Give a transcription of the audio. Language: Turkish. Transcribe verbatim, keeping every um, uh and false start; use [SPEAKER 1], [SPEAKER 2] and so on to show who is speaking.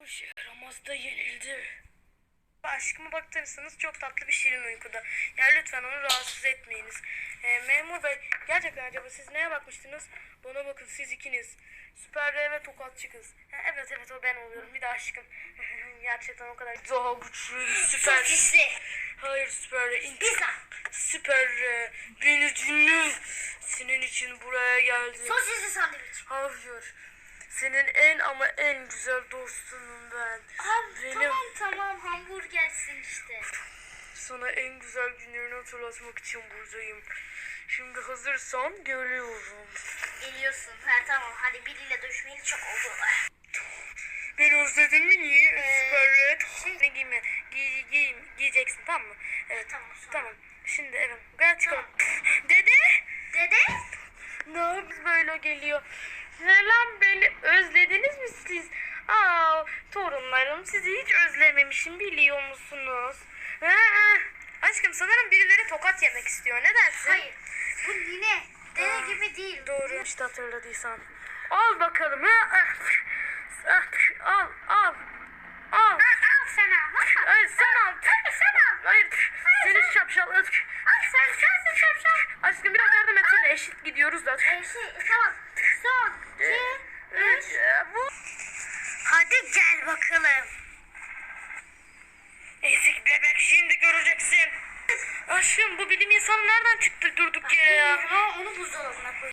[SPEAKER 1] işe yaramaz da yenildi. Aşkıma baktırırsanız çok tatlı bir şirin uykuda. Yani lütfen onu rahatsız etmeyiniz. Ee, memur bey, gerçekten acaba siz neye bakmıştınız? Bana bakın, siz ikiniz. Süper R ve tokatçı kız. Ha, evet evet, o ben oluyorum. Bir de aşkım. Gerçekten o kadar daha güçlü, süper.
[SPEAKER 2] Sosisli.
[SPEAKER 1] Hayır, süper R.
[SPEAKER 2] Pizza.
[SPEAKER 1] Süper R. Beni dinle. Senin için buraya geldim.
[SPEAKER 2] Sosisli sandviç.
[SPEAKER 1] Hayır. Senin en ama en güzel dostunum ben.
[SPEAKER 2] Abi
[SPEAKER 1] Benim...
[SPEAKER 2] tamam tamam hamburgersin işte.
[SPEAKER 1] Sana en güzel günlerini hatırlatmak için buradayım. Şimdi hazırsan geliyorum.
[SPEAKER 2] Geliyorsun. Ha tamam hadi biriyle dövüşmeyeli çok oldu.
[SPEAKER 1] Beni özledin mi? Niye?
[SPEAKER 2] Ee,
[SPEAKER 1] Süper Red.
[SPEAKER 2] şey-
[SPEAKER 1] Ne giyme? Giy, giy, giyeceksin, tamam mı? Evet.
[SPEAKER 2] Tamam, sonra.
[SPEAKER 1] Tamam. Şimdi evet. Gel çıkalım. Dede.
[SPEAKER 2] Dede?
[SPEAKER 1] Ne yapıyorsun böyle geliyor? Selam, beni özlediniz mi siz? Aa, torunlarım, sizi hiç özlememişim, biliyor musunuz? Ha, aşkım, sanırım birileri tokat yemek istiyor. Ne dersin?
[SPEAKER 2] Hayır. Bu nine. Dede
[SPEAKER 1] Aa,
[SPEAKER 2] gibi değil.
[SPEAKER 1] Doğru işte, hatırladıysan. Al bakalım. Ha? Ah, ah, Al al. Al.
[SPEAKER 2] Ha, al sana. Ha.
[SPEAKER 1] Ay, sen al.
[SPEAKER 2] Hadi sen al.
[SPEAKER 1] Hayır. Seni şapşal.
[SPEAKER 2] Al sen sensin şapşal.
[SPEAKER 1] Aşkım, biraz yardım etsene. Eşit gidiyoruz da.
[SPEAKER 2] Ee, şey tamam. Son. iki, üç.
[SPEAKER 1] Bu.
[SPEAKER 2] Hadi gel bakalım.
[SPEAKER 1] Ezik bebek, şimdi göreceksin. Aşkım, bu bilim insanı nereden çıktı durduk yere ya?
[SPEAKER 2] Ha, onu buzdolabına koy.